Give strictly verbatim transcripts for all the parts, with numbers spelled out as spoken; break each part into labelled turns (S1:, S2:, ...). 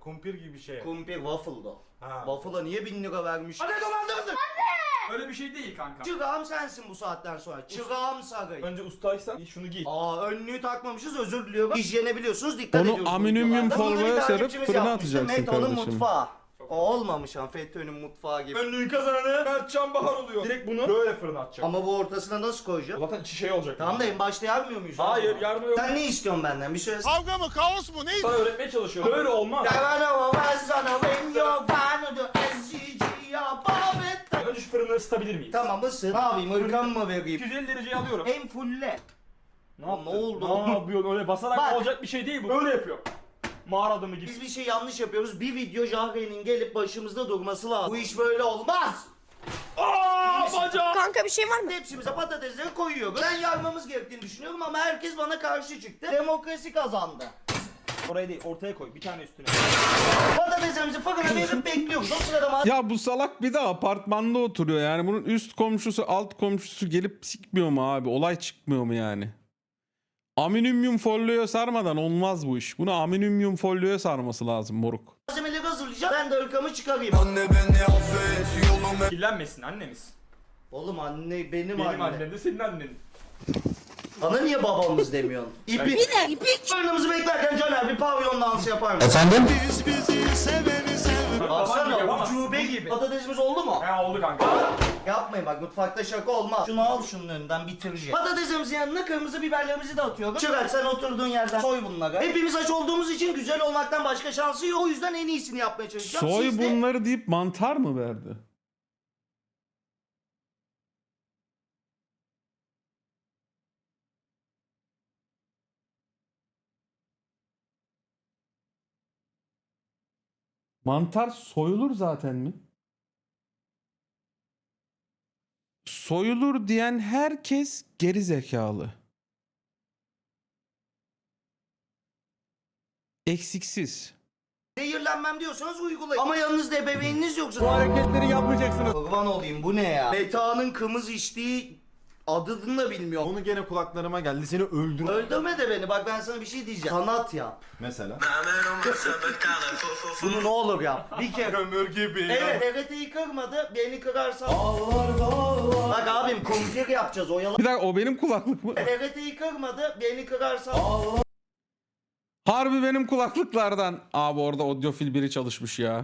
S1: Kumpir gibi bir şey.
S2: Kumpir waffle'da.
S1: Ha.
S2: Waffle'a niye bin lira vermiş? Hadi dolandırdın.
S3: Öyle bir şey değil kanka.
S2: Çırağım sensin bu saatten sonra. Çırağım Saray.
S3: Önce ustaysan şunu giy.
S2: Aa önlüğü takmamışız, özür diliyorum. Hijyene biliyorsunuz, dikkat
S4: Onu
S2: ediyoruz. bu
S4: alüminyum
S2: videolarda. Burada bir
S4: folyoya sarıp
S2: takipçimiz
S4: fırına
S2: yapmıştı,
S4: atacaksın
S2: Meto'nun
S4: kardeşim.
S2: mutfağı. O olmamış ha, FETÖ'nün mutfağı gibi.
S3: Önlüğün kazananı Mertcan Bahar oluyor. Direkt bunu böyle fırına atacak.
S2: Ama bu ortasına nasıl koyacağım?
S3: Zaten içi şey olacak.
S2: Tamam da en başta yarmıyor muyuz?
S3: Hayır yardım yok.
S2: Sen ne istiyorsun benden? Bir söyle.
S1: Kavga mı kaos mu neydi?
S3: Sana öğretmeye çalışıyorum. Böyle olmaz. Önce şu fırını ısıtabilir miyiz?
S2: Tamam ısın. Ne yapayım? Irkan mı vereyim?
S3: iki yüz elli dereceye alıyorum.
S2: Hem fulle.
S3: Ne,
S2: Ne
S3: yaptın?
S2: oldu?
S3: Ne yapıyorsun? Öyle basarak
S2: Bak.
S3: olacak bir şey değil bu. Öyle yapıyor. Mağara adamı gibi.
S2: Biz bir şey yanlış yapıyoruz. Bir video Jahre'nin gelip başımızda durması lazım. Bu iş böyle olmaz.
S3: Aaa bacağım.
S5: Kanka bir şey var mı?
S2: Hepsimize patatesleri koyuyoruz. Ben yarmamız gerektiğini düşünüyorum ama herkes bana karşı çıktı. Demokrasi kazandı.
S3: Oraya değil ortaya koy bir tane üstüne.
S2: Patateslerimizi fırına verip bekliyoruz. O sırada ma-
S4: Ya bu salak bir de apartmanda oturuyor yani. Bunun üst komşusu alt komşusu gelip sikmiyor mu abi? Olay çıkmıyor mu yani? Alüminyum folyoya sarmadan olmaz bu iş. Bunu alüminyum folyoya sarması lazım moruk.
S2: malzemeleri hazırlayacağım. Ben de ırkamı çıkarayım.
S3: Kirlenmesin annemiz.
S2: Oğlum anne benim,
S3: Benim
S2: anne.
S3: annem de senin annen.
S2: Bana niye babamız demiyorsun? İpi.
S5: Bir de ipik.
S2: Fırınımızı beklerken Caner bir pavyon dansı yapar mısın?
S4: Efendim?
S1: Biz bizi seveni seveni.
S3: Baban gibi
S2: Baksana
S3: yapamazsın.
S2: ucube gibi. Patatesimiz oldu mu?
S3: Ha oldu kanka.
S2: Yapmayın bak, mutfakta şaka olmaz. Şunu al şunun önünden, bitireceğim. Patatesimizin yanına kırmızı biberlerimizi de atıyoruz. Çırak sen oturduğun yerden soy bunları. Hepimiz aç olduğumuz için güzel olmaktan başka şansı yok. O yüzden en iyisini yapmaya çalışacağım.
S4: Soy
S2: Siz de-
S4: bunları deyip mantar mı verdi? Mantar soyulur zaten mi? Soyulur diyen herkes geri zekalı. Eksiksiz.
S2: Zehirlenmem diyorsanız uygulayın. Ama yanınızda ebeveyniniz yoksa...
S1: Bu hareketleri yapmayacaksınız.
S2: Kurban olayım, bu ne ya? Meta'nın kımız içtiği adını da bilmiyorum.
S1: Onu gene kulaklarıma geldi, seni öldür.
S2: Öldürme de beni, bak ben sana bir şey diyeceğim. Sanat yap.
S1: Mesela.
S2: Bunu ne olur yap. Bir kere.
S1: Kömür gibi.
S2: Evet, T R T'yi kırmadı, beni kırarsan... Bak abim, kumpir yapacağız, oyalan.
S4: Bir dakika o benim kulaklık mı?
S2: T R T'yi kırmadı, beni kırarsan...
S4: Harbi benim kulaklıklardan. Abi orada audiofil biri çalışmış ya.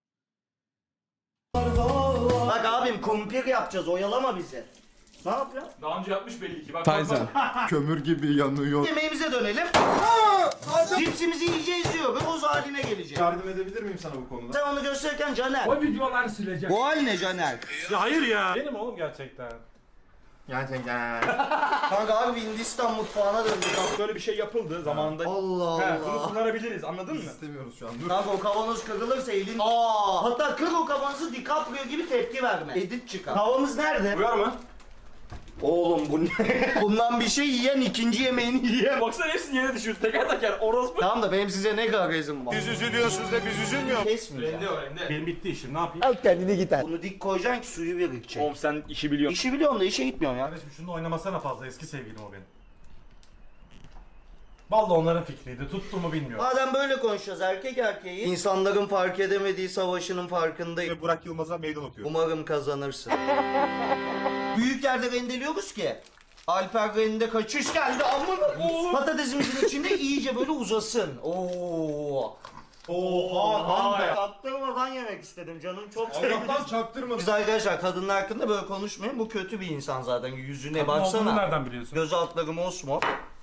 S2: Bak abim, kumpir yapacağız, oyalama bizi. Ne yapıyorsun?
S3: Daha önce yapmış belli ki. Bak,
S4: Tyson.
S1: Kömür gibi yanıyor.
S2: Yemeğimize dönelim. Cipsimizi iyice izliyoruz, toz haline gelecek.
S1: Yardım edebilir miyim sana bu konuda?
S2: Sen onu gösterirken Caner.
S3: O videolar silecek.
S2: Bu hal ne Caner?
S1: Ya hayır ya.
S6: Benim oğlum gerçekten.
S1: Gerçekten.
S2: Kanka harbi Hindistan mutfağına döndük.
S3: Böyle bir şey yapıldı zamanında.
S2: Allah
S3: He, bunu
S2: Allah.
S3: kullanabiliriz anladın mı?
S1: İstemiyoruz şu an. Dur.
S2: Kanka o kavanoz kırılırsa elin... Aa, hatta kır o kavanozu, DiCaprio gibi tepki verme. Edit çıkar. Tavamız nerede?
S3: Uyar mı?
S2: Oğlum bu ne? Bundan bir şey yiyen ikinci yemeğini yiyen.
S3: Baksana hepsi yere düşüyor. Teker teker orospu.
S2: Tamam da benim size ne garezim var?
S1: Biz üzülüyorsunuz da biz üzülmüyor.
S2: Kesmeyeceğim.
S3: Rende o rende.
S6: Benim bitti işim ne yapayım?
S2: Bunu dik koyacaksın ki suyu birikecek.
S3: Oğlum sen işi biliyorsun.
S2: İşi biliyorsun da işe gitmiyorsun ya.
S6: Kardeşim şunu oynamasana fazla, eski sevgilim o benim. Vallahi onların fikriydi, tuttu mu bilmiyorum.
S2: Madem böyle konuşacağız erkek erkeği, insanların fark edemediği savaşının farkındayım.
S1: Ve Burak Yılmaz'a meydan okuyor.
S2: Umarım kazanırsın. Büyük yerde rendeliyoruz ki. Alper rende kaçış geldi amına oğlum. Patatesimizin içinde iyice böyle uzasın. Oo.
S1: Oha.
S2: Ben de attırmadan yemek istedim, canım çok sevdi.
S1: Allah'tan çaktırma.
S2: Biz arkadaşlar kadınlar hakkında böyle konuşmayın. Bu kötü bir insan zaten. Yüzüne
S6: Kadın olduğunu
S2: baksana.
S6: nereden biliyorsun?
S2: Göz altları mosmor.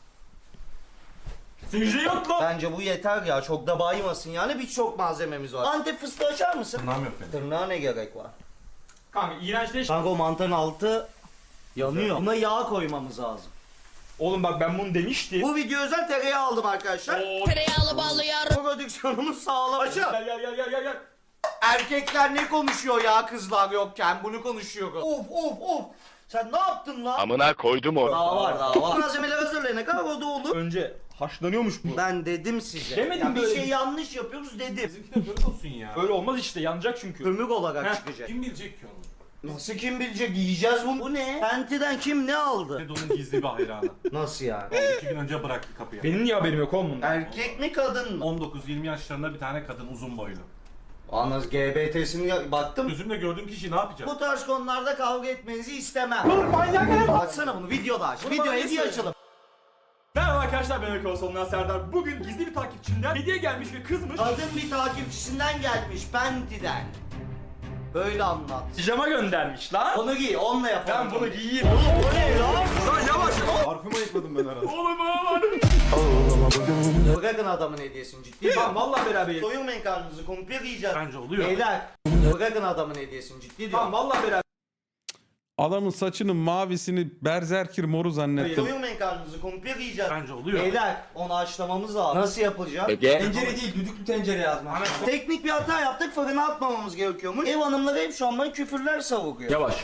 S3: Sinirli yok lan.
S2: Bence bu yeter ya. Çok da baymasın yani. Birçok malzememiz var. Antep fıstığı açar mısın?
S6: Tırnağım yok benim.
S2: Tırnağa ne gerek var?
S3: Kanka iğrençleş.
S2: Kanka o mantarın altı yanıyor. Buna yağ koymamız lazım.
S3: Oğlum bak ben bunu demiştim.
S2: Bu video özel tereyağı aldım arkadaşlar.
S3: Oo.
S5: Tereyağlı ballı yar.
S2: Prodüksiyonumuz sağlam. Açın.
S3: Gel gel gel gel gel gel.
S2: Erkekler ne konuşuyor ya kızlar yokken? Bunu konuşuyoruz. Of of of. Sen ne yaptın lan?
S7: Amına koydum onu.
S2: Daha var daha var. Malzemeler hazırlayana kadar o da olur.
S3: Önce haşlanıyormuş bu.
S2: Ben dedim size.
S3: Demedim
S2: Ya bir
S3: böyle
S2: şey
S3: bir-
S2: yanlış yapıyoruz dedim.
S6: Bizimki de böyle olsun ya.
S3: Öyle olmaz işte yanacak çünkü.
S2: Kömür olarak
S3: Heh.
S2: çıkacak.
S6: Kim bilecek ki onu?
S2: Nasıl kim bilecek? Yiyeceğiz bunu. Bu ne? Penti'den kim ne aldı?
S6: Fedon'un gizli bir hayranı.
S2: Nasıl yani?
S6: Vallahi iki gün önce bıraktı kapıya.
S3: Benim niye haberim yok oğlum bundan?
S2: Erkek mi kadın mı?
S6: on dokuz yirmi yaşlarında bir tane kadın uzun boylu.
S2: Anız G B T'sini baktım.
S6: Gözümle gördüğüm kişi ne yapacak?
S2: Bu tarz konularda kavga etmenizi istemem. Dur manyak. Açsana bunu videoda aç. Video hediye açalım.
S3: Merhaba arkadaşlar, ben Öykü Olsun'dan Serdar. Bugün gizli bir takipçimden hediye gelmiş ve kızmış.
S2: Kadın bir takipçisinden gelmiş Penti'den. Böyle anlat.
S3: Pijama göndermiş lan.
S2: Onu giy, onunla yapalım.
S3: Ben bunu giyeyim.
S2: Oğlum o ne lan?
S3: Lan yavaş.
S1: Parfüm ayıkladım ben arada.
S3: Oğlum aman.
S2: Bırakın adamın hediyesini ciddi.
S3: Tamam vallahi beraber yiyelim.
S2: Soyunmayın karnınızı, kumpir yiyeceğiz.
S6: Bence oluyor.
S2: Beyler, bırakın adamın hediyesini ciddi diyorum.
S3: Tamam vallahi beraber.
S4: Adamın saçının mavisini berzerkir moru zannettim.
S2: Soyunmayın karnınızı, kumpir yiyeceğiz.
S6: Bence oluyor.
S2: Beyler, onu haşlamamız lazım. Nasıl yapılacak?
S3: Tencere değil, düdüklü tencere yazmış.
S2: Teknik bir hata yaptık, fırına atmamamız gerekiyormuş. Ev hanımları hep şu an bana küfürler savuruyor.
S3: Yavaş.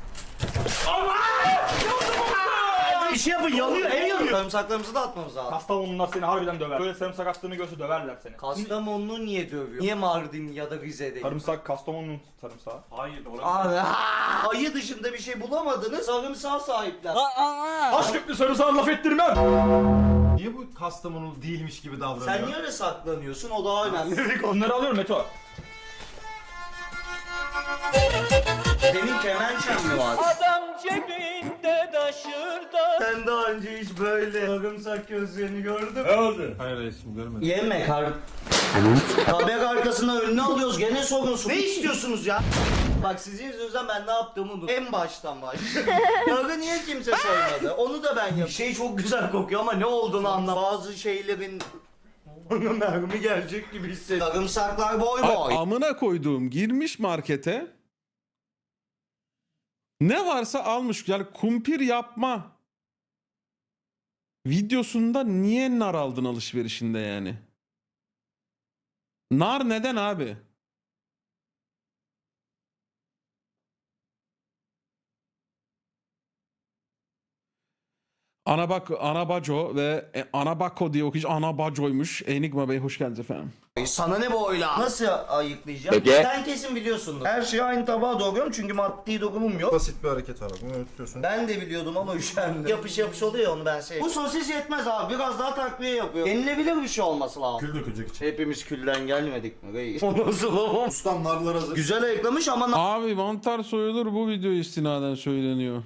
S2: Bir şey yapın, yanıyor, ev yanıyor. Sarımsaklarımızı da atmamız lazım.
S3: Kastamonular seni harbiden döver. Böyle sarımsak attığını görse döverler seni.
S2: Kastamonu'nu niye dövüyor? Niye Mardin ya da Rize değil?
S3: Sarımsak Kastamonu'nun sarımsağı.
S6: Hayır orası.
S2: Abi, aa! Ayı dışında bir şey bulamadınız, sarımsağa sahipler.
S3: Taş köprü sarımsağı laf ettirmem.
S1: Niye bu Kastamonu değilmiş gibi davranıyor?
S2: Sen niye öyle saklanıyorsun? O daha önemli.
S3: Onları alıyorum Meto.
S2: Senin kemençen mi var?
S7: Adam cebinde taşırda.
S2: Sen daha önce hiç böyle sarımsak gözlerini gördün mü?
S6: Hayır reisim görmedim.
S2: Yeme kar... Haber arkasına önüne alıyoruz gene sorunsuz. Ne istiyorsunuz ya? Bak sizin yüzünüzden ben ne yaptığımı unuttum. En baştan baş. Karı niye kimse soymadı? Onu da ben yapayım. Şey çok güzel kokuyor ama ne olduğunu anlam. Bazı şeylerin... Bana mermi gelecek gibi hissediyorum. Sarımsaklar boy
S4: Ay,
S2: boy.
S4: amına koyduğum girmiş markete. Ne varsa almış. Yani kumpir yapma videosunda niye nar aldın alışverişinde yani? Nar neden abi? Ana bak Anabaco ve e, Anabako diye okuyucu Anabaco'ymuş. Enigma Bey hoş geldiniz efendim.
S2: Sana ne boyla? Nasıl ayıklayacağım? Sen kesin biliyorsundur. Her şeyi aynı tabağa doğruyorum çünkü maddi dokunum yok.
S1: Basit bir hareket abi. Bunu öğütüyorsun.
S2: Ben de biliyordum ama üşendim. Yapış yapış oluyor ya, onu ben sevdim. Bu sosis yetmez abi. Biraz daha takviye yapıyor. Yenilebilir bir şey olması lazım.
S6: Kül dökecek için.
S2: Hepimiz külden gelmedik mi reis? O nasıl o?
S1: Ustam narlar hazır.
S2: Güzel ayıklamış ama na-
S4: Abi mantar soyulur bu video istinaden söyleniyor.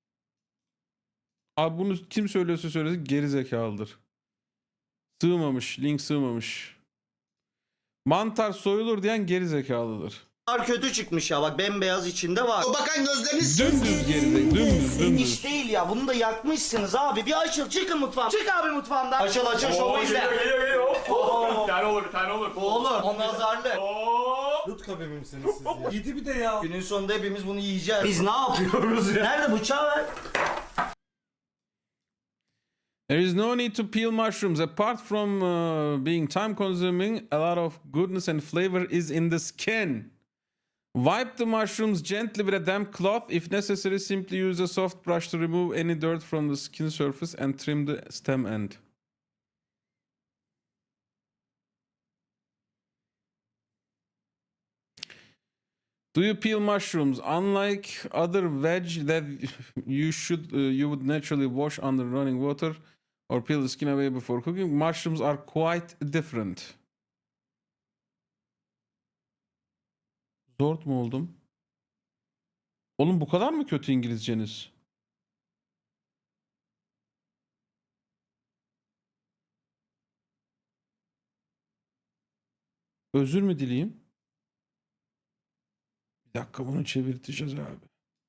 S4: Abi bunu kim söylüyorsa söylesin geri zekalıdır. Sığmamış, link sığmamış. Mantar soyulur diyen geri zekalıdır.
S2: nar kötü çıkmış ya, bak bembeyaz içinde var. O bakan gözleriniz
S4: Dümdüz geri zekalı, dümdüz
S2: iş
S4: dümdüz.
S2: değil ya, bunu da yakmışsınız abi. Bir açıl, çıkın mutfağım. Çık abi mutfağımdan. Açıl açıl şovu izle.
S3: Geliyor geliyor. Bir tane olur, bir tane olur.
S2: Bu olur, o nazarlı.
S6: Lut kabemi misiniz siz ya? Yedi bir de ya.
S2: Günün sonunda hepimiz bunu yiyeceğiz. Biz ne yapıyoruz ya? Nerede bıçağı ver?
S4: There is no need to peel mushrooms. Apart from uh, being time consuming, a lot of goodness and flavor is in the skin. Wipe the mushrooms gently with a damp cloth. If necessary, simply use a soft brush to remove any dirt from the skin surface and trim the stem end. Do you peel mushrooms? Unlike other veg that you should uh, you would naturally wash under running water or peel the skin away before cooking, mushrooms are quite different. Zor mu oldum? Oğlum bu kadar mı kötü İngilizceniz? Özür mü dileyeyim? Bir dakika bunu çevirteceğiz abi.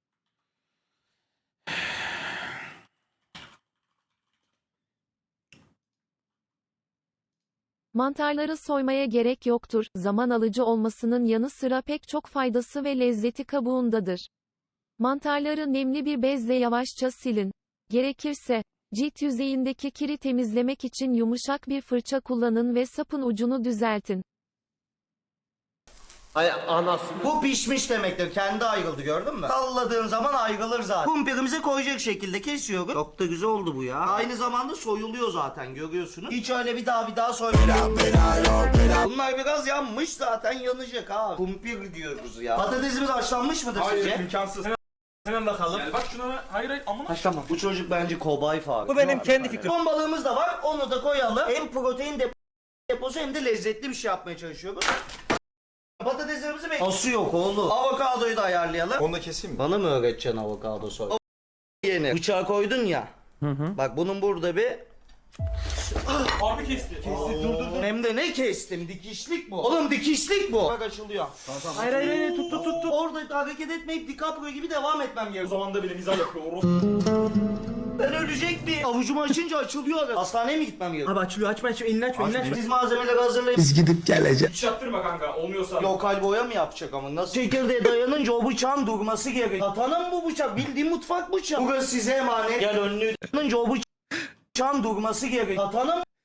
S8: Mantarları soymaya gerek yoktur. Zaman alıcı olmasının yanı sıra pek çok faydası ve lezzeti kabuğundadır. Mantarları nemli bir bezle yavaşça silin. Gerekirse, cilt yüzeyindeki kiri temizlemek için yumuşak bir fırça kullanın ve sapın ucunu düzeltin.
S2: Ay anasını. Bu pişmiş demektir. Kendi ayrıldı gördün mü? Salladığın zaman ayrılır zaten. Kumpirimize koyacak şekilde kesiyoruz. Çok da güzel oldu bu ya. Aynı zamanda soyuluyor zaten görüyorsunuz. Hiç öyle bir daha bir daha soymuyor. Bunlar biraz yanmış zaten yanacak ha. Kumpir diyoruz ya. Patatesimiz haşlanmış mıdır
S3: Hayır
S2: sizce?
S3: imkansız. Hemen, hemen bakalım. Gel bak şuna. Hayır hayır amına.
S2: Haşlanma. Bu çocuk bence kobay farkı.
S7: Bu benim kendi fikrim.
S2: Ton balığımız da var. Onu da koyalım. Hem protein de deposu hem de lezzetli bir şey yapmaya çalışıyoruz. Patateslerimizi bekliyoruz. Ası yok oğlum. Avokadoyu da ayarlayalım.
S1: Onu da keseyim mi?
S2: Bana mı öğreteceksin avokado soy? O yeni. Bıçağı koydun ya. Bak bunun burada bir...
S3: Abi kesti. Kesti dur dur dur.
S2: Hem de ne kestim? Dikişlik bu. Oğlum dikişlik bu. Bak açılıyor.
S3: Hayır hayır hayır tut tut tut tut.
S2: Orada hareket etmeyip DiCaprio gibi devam etmem
S3: O
S2: gerekiyor.
S3: zaman da bile mizah yapıyor. Oros.
S2: Ben ölecek bir. Avucumu açınca açılıyor. Hastaneye mi gitmem gerekiyor?
S7: Abi açılıyor açma açma elini açma elini açma.
S2: Biz malzemeleri hazırlayıp
S3: Hiç yaptırma kanka. Olmuyorsa.
S2: lokal boya mı yapacak ama nasıl? Çekirdeğe dayanınca o bıçağın durması gerek. Katana mı bu bıçak? Bildiğin mutfak bıçağı. Burası size emanet. Gel önlüğü dayanınca o bıçağın durması gerek. Katana mı?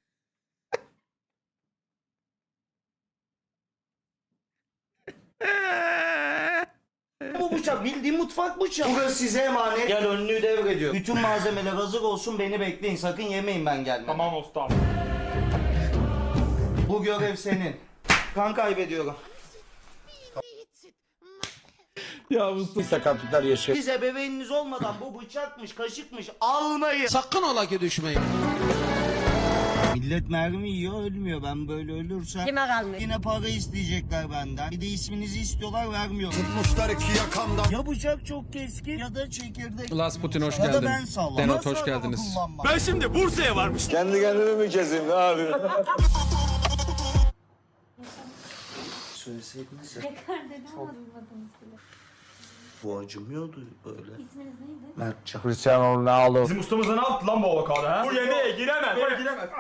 S2: Bu bıçak bildiğin mutfak bıçağı. Burası size emanet. Gel önlüğü devrediyor. Bütün malzemeler hazır olsun beni bekleyin. Sakın yemeyin ben gelmem.
S3: Tamam ustam.
S2: Bu görev senin. Kan kaybediyorum.
S4: Ya Mustafa.
S9: Sakatlıklar yaşıyor.
S2: Siz ebeveyniniz olmadan bu bıçakmış, kaşıkmış almayın.
S9: Sakın ola ki düşmeyin.
S2: Millet mermi yiyor ölmüyor. Ben böyle ölürsem
S5: Kime kalmış?
S2: yine para isteyecekler benden. Bir de isminizi istiyorlar vermiyorum.
S1: Tutmuşlar iki yakamdan.
S2: Ya bıçak çok keskin ya da çekirdek.
S4: Last Putin hoş
S2: Ya da
S4: geldin.
S2: ben sallam.
S4: Denot
S2: Nasıl
S4: hoş
S2: araba
S4: geldiniz.
S2: kullanmam?
S3: Ben şimdi Bursa'ya varmıştım.
S9: Kendi kendime mi keseyim ne yapayım?
S2: Söyleseydiniz ya.
S10: Tekrardan anlatmadınız bile.
S2: Bu acımıyordu böyle.
S10: İsminiz neydi?
S2: Mertcan.
S9: Cristiano Ronaldo.
S3: Bizim ustamız da ne yaptı lan bu avokado ha? Bu yemeğe giremez. Buraya giremez.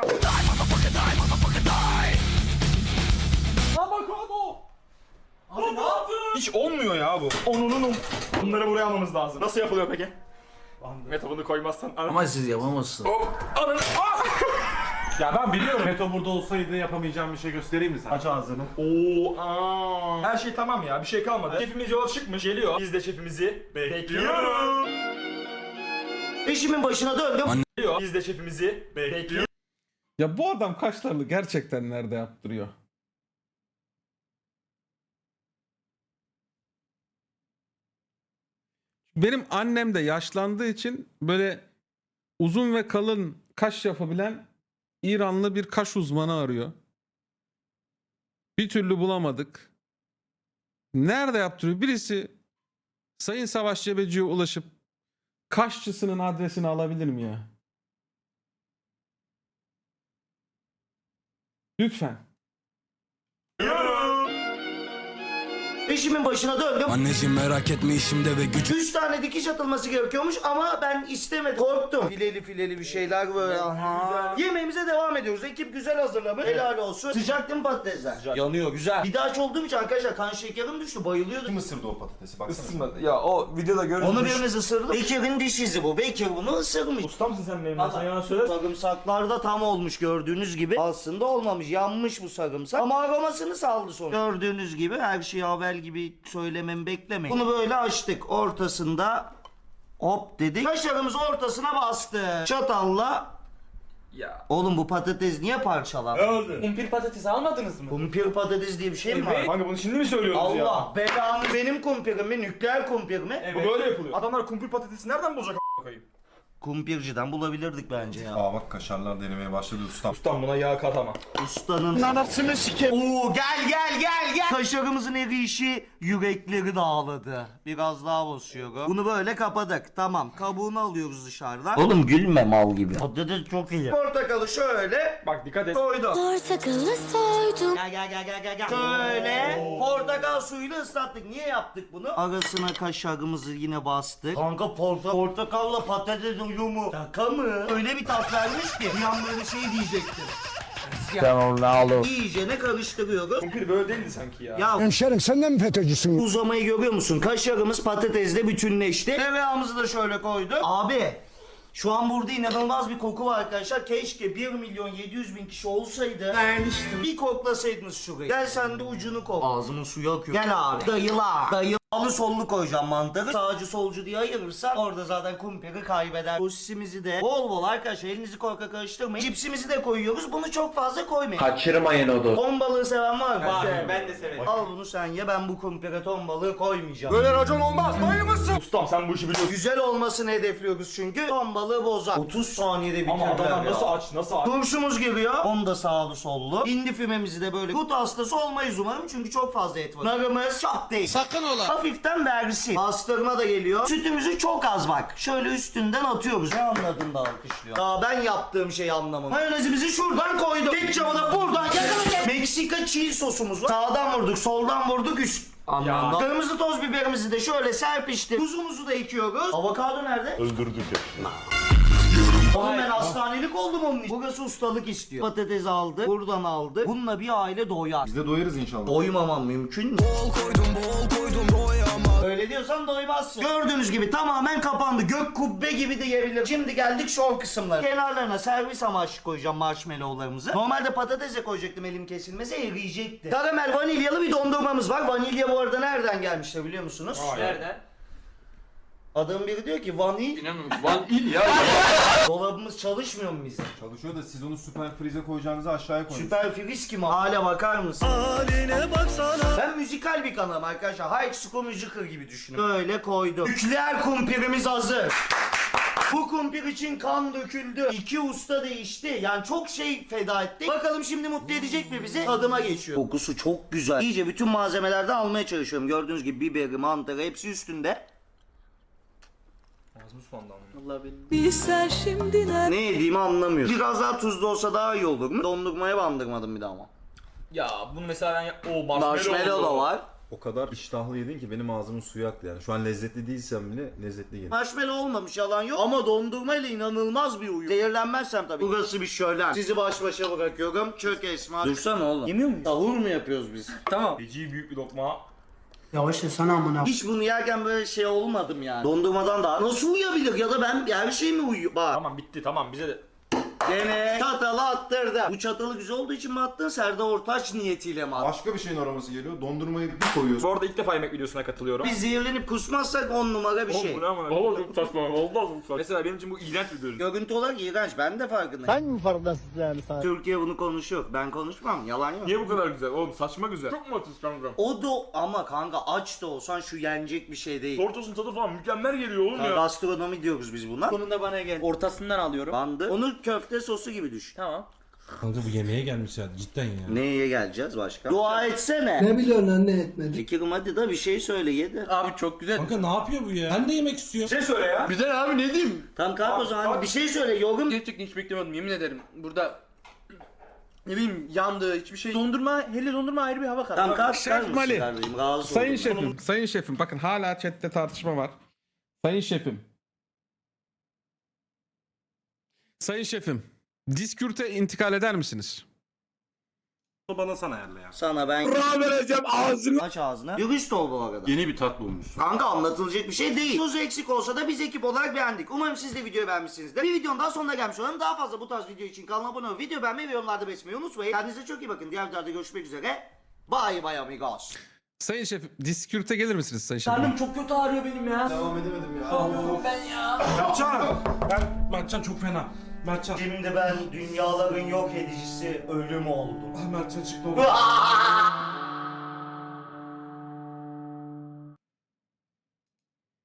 S3: Avokado. Abi ne yaptın? Hiç olmuyor ya bu. Onunun Bunları buraya almamız lazım. Nasıl yapılıyor peki? Mete bunu koymazsan.
S9: Ama siz yapamazsınız.
S3: Hop. Ananı. Ah!
S6: Ya ben biliyorum Meto burada olsaydı yapamayacağım bir şey göstereyim mi sana? Aç ağzını.
S3: Oo, aa. Her şey tamam ya. Bir şey kalmadı. Şefimiz yola çıkmış. Geliyor. Biz de şefimizi bekliyoruz.
S2: İşimin başına döndüm.
S3: Geliyor. Biz de şefimizi bekliyoruz.
S4: Ya bu adam kaşlarını gerçekten nerede yaptırıyor? Benim annem de yaşlandığı için böyle uzun ve kalın kaş yapabilen İranlı bir kaş uzmanı arıyor. Bir türlü bulamadık. Nerede yaptırıyor? Birisi Sayın Savaş Cebeci'ye ulaşıp kaşçısının adresini alabilir mi ya? Lütfen.
S2: İşimin başına döndüm.
S9: Anneciğim merak etme işimde ve gücüm.
S2: Üç tane dikiş atılması gerekiyormuş ama ben istemedim. Korktum. Fileli fileli bir şeyler böyle. Aha. Yemeğimize devam ediyoruz. Ekip güzel hazırlamış. Helal olsun. Sıcak değil mi patatesler? Sıcak. Yanıyor güzel. Bir daha aç olduğum için arkadaşlar kan şekerim düştü. Bayılıyordum.
S1: Kim ısırdı o patatesi? Baksana.
S6: Ya o videoda görürüz.
S2: Onu birimiz ısırdı. Bekir'in diş izi bu. Bekir bunu ısırmış.
S3: Usta mısın sen benim?
S2: Allah.
S3: Sen yalan söyle.
S2: Sarımsaklar da tam olmuş gördüğünüz gibi. Aslında olmamış. Yanmış bu sarımsak. Ama aromasını saldı sonra. Gördüğünüz gibi her şeyi haber gibi söylememi beklemeyin. Bunu böyle açtık. Ortasında hop dedik. Kaşarımız ortasına bastı. Çatalla.
S3: Ya.
S2: Oğlum bu patates niye parçalandı?
S7: Kumpir patatesi almadınız mı?
S2: Kumpir patates diye bir şey mi var?
S3: Kanka bunu şimdi mi söylüyoruz ya?
S2: Allah belanı benim kumpirim mi? Nükleer kumpir mi?
S3: Bu böyle yapılıyor. Adamlar kumpir patatesi nereden bulacak a**a koyayım?
S2: Kumpirciden bulabilirdik bence ya.
S1: Aa bak kaşarlar denemeye başladı ustam.
S3: Ustam buna yağ katama.
S2: Ustanın anasını sike. Oo gel gel gel gel. Kaşarımızın eriyişi yürekleri dağladı. Biraz daha basıyor. Bunu böyle kapadık. Tamam. Kabuğunu alıyoruz dışarıdan. Oğlum gülme mal gibi. Patates çok iyi. Portakalı şöyle
S3: Bak dikkat et.
S2: koydum.
S10: Portakalı soydum.
S2: Gel gel gel gel gel gel. Şöyle portakal suyuyla ıslattık. Niye yaptık bunu? Arasına kaşarımızı yine bastık. Kanka porta portakalla patates uyumu. Şaka mı? Öyle bir tat vermiş ki. Bir an böyle şey diyecektim.
S9: Cristiano Ronaldo.
S2: İyicene karıştırıyoruz.
S3: Kumpir böyle değildi sanki ya.
S2: Ya
S9: Hemşerim sen de mi FETÖ'cüsün?
S2: uzamayı görüyor musun? Kaşarımız patatesle bütünleşti. Tereyağımızı da şöyle koyduk. Abi Şu an burada inanılmaz bir koku var arkadaşlar. Keşke bir milyon yedi yüz bin kişi olsaydı. Vermiştim. Bir koklasaydınız şurayı. Gel sen de ucunu kok. Ağzımın suyu akıyor. Gel abi. Dayıla. Dayı. Alı sollu koyacağım mantarı. Sağcı solcu diye ayırırsan orada zaten kumpiri kaybeder. Sosisimizi de bol bol arkadaşlar elinizi korkak karıştırmayın. Cipsimizi de koyuyoruz. Bunu çok fazla koymayın.
S9: Kaçırmayın o dostu.
S2: Ton balığı seven var mı?
S7: Var. Ben de severim.
S2: Al bunu sen ye. Ben bu kumpire ton balığı koymayacağım.
S1: Böyle racon olmaz. Bayılmışsın.
S3: Ustam sen bu işi biliyorsun.
S2: Güzel olmasını hedefliyoruz çünkü. Ton balığı bozar. otuz saniyede
S3: Ama
S2: bitirdiler
S3: adamlar
S2: ya.
S3: nasıl aç nasıl aç.
S2: Turşumuz giriyor. Onu da sağlı sollu. Hindi fümemizi de böyle gut hastası olmayız umarım çünkü çok fazla et var. Narımız çok değil.
S9: Sakın ola.
S2: Hafiften versin. Pastırma da geliyor. Sütümüzü çok az bak. Şöyle üstünden atıyoruz. Ne anladın da alkışlıyor. Daha ben yaptığım şeyi anlamadım. Mayonezimizi şuradan koyduk. Ketçabı da buradan yakaladık. Meksika çiğ sosumuz var. Sağdan vurduk, soldan vurduk, üst. Anlamda. Kırmızı toz biberimizi de şöyle serpiştik. Tuzumuzu da ekiyoruz. Avokado nerede?
S1: Öldürdük ya.
S2: Oğlum ben hastanelik oldum onun için. Burası ustalık istiyor. Patates aldı, buradan aldı. Bununla bir aile doyar.
S1: Biz de doyarız inşallah.
S2: Doymamam mümkün mü?
S9: Bol koydum bol koydum doyama.
S2: Öyle diyorsan doymazsın. Gördüğünüz gibi tamamen kapandı. Gök kubbe gibi de yiyebilir. Şimdi geldik şov kısımları. Kenarlarına servis amaçlı koyacağım marshmallowlarımızı. Normalde patatese koyacaktım elim kesilmese eriyecekti. Karamel vanilyalı bir dondurmamız var. Vanilya bu arada nereden gelmiştir biliyor musunuz?
S7: Nereden?
S2: Adam biri diyor ki vanil.
S3: Vanil ya.
S2: Dolabımız çalışmıyor mu bizim?
S1: Çalışıyor da siz onu süper frize koyacağınızı aşağıya koyun.
S2: Süper friz kim? Hale bakar mısın? Haline baksana. Ben müzikal bir kanalım arkadaşlar. High School Musical gibi düşünün. Böyle koydum. Nükleer kumpirimiz hazır. Bu kumpir için kan döküldü. İki usta değişti. Yani çok şey feda ettik. Bakalım şimdi mutlu edecek mi bizi? Tadıma geçiyor. Kokusu çok güzel. İyice bütün malzemelerden almaya çalışıyorum. Gördüğünüz gibi biberi, mantarı hepsi üstünde. Allah bilir. Ne yediğimi anlamıyorum. Biraz daha tuzlu olsa daha iyi olur mu? Dondurmaya bandırmadım bir daha ama.
S7: Ya bunu mesela ben yap- o marshmallow,
S2: Marshmallow da var.
S1: O kadar iştahlı yedin ki benim ağzımın suyu aktı yani. Şu an lezzetli değilsem bile lezzetli yedim.
S2: Marshmallow olmamış yalan yok ama dondurma ile inanılmaz bir uyum. Zehirlenmezsem tabii. Burası bir şölen. Sizi baş başa bırakıyorum. Çök Esma. Dursana oğlum. Yemiyor muyuz? Sahur mu yapıyoruz biz?
S7: Tamam.
S3: Feci büyük bir lokma.
S9: Yavaş ya sana amına.
S2: Hiç bunu yerken böyle şey olmadım yani. Dondurmadan daha nasıl uyuyabilir ya da ben her şey mi uyuyor? Bak.
S3: Tamam bitti tamam bize de.
S2: Gene çatalı attırdı. Bu çatalı güzel olduğu için mi attın? Serdar Ortaç niyetiyle mi attın?
S1: Başka bir şeyin aroması geliyor. Dondurmayı bir koyuyorsun.
S3: Bu arada ilk defa yemek videosuna katılıyorum.
S2: Biz zehirlenip kusmazsak on numara bir
S3: Oğlum
S2: şey.
S3: bu ne ama? Valla çok saçma. Valla çok saçma. Mesela benim için bu iğrenç bir görüntü.
S2: Görüntü olarak iğrenç. Ben de farkındayım.
S9: Sen mi farkındasın yani sen?
S2: Türkiye bunu konuşuyor. Ben konuşmam. Yalan yok.
S3: Niye bu kadar güzel? Oğlum saçma güzel. Çok mu açız kanka?
S2: O da ama kanka aç da olsan şu yenecek bir şey değil.
S3: Tortosun tadı falan mükemmel geliyor oğlum ya.
S2: Gastronomi diyoruz biz buna.
S7: Sonunda bana gel. Ortasından alıyorum.
S2: Bandı. Onu köfte sosu gibi düşün.
S7: Tamam.
S9: Kanka bu yemeğe gelmiş ya cidden ya.
S2: Neye geleceğiz başka? Dua etsene.
S9: Ne biliyorsun lan ne etmedi?
S2: Fikirim hadi da bir şey söyle yedi.
S7: Abi çok güzel.
S9: Kanka ne yapıyor bu ya? Ben de yemek istiyorum.
S3: Bir şey söyle ya.
S7: Güzel abi ne diyeyim?
S2: Tamam kalk o zaman bir şey söyle yorum.
S7: Gerçekten hiç beklemiyordum yemin ederim. Burada ne bileyim yandı hiçbir şey. Dondurma, hele dondurma ayrı bir hava kattı.
S2: Tamam kalk
S4: Şef
S2: çıkar mısın
S4: Mali.
S2: kardeşim? Rahatsız
S4: Sayın
S2: oldum.
S4: şefim, sayın şefim bakın hala chatte tartışma var. Sayın şefim. Sayın şefim, diskürte intikal eder misiniz?
S6: Bana sana ayarla ya.
S2: Sana ben...
S9: vereceğim ağzını.
S2: Aç ağzını. Dürüst ol bu arada.
S6: Yeni bir tatlı olmuş.
S2: Kanka anlatılacak bir şey değil. Tuzu eksik olsa da biz ekip olarak beğendik. Umarım siz de videoyu beğenmişsinizdir. Bir videonun daha sonuna gelmiş olalım. Daha fazla bu tarz video için kanala abone olup video beğenmeyi ve yorumlarda belirtmeyi unutmayın. Kendinize çok iyi bakın. Diğer videoda görüşmek üzere. Bye bye amigos.
S4: Sayın şefim, diskürte gelir misiniz sayın şefim?
S7: Karnım çok kötü ağrıyor benim ya.
S1: Devam edemedim ya.
S7: Ben ya.
S6: Mertcan! Ben, Mertcan çok fena. Mertcan.
S2: Şimdi ben dünyaların yok edicisi ölüm oldum.
S6: Ah Mertcan çıktı oğlum.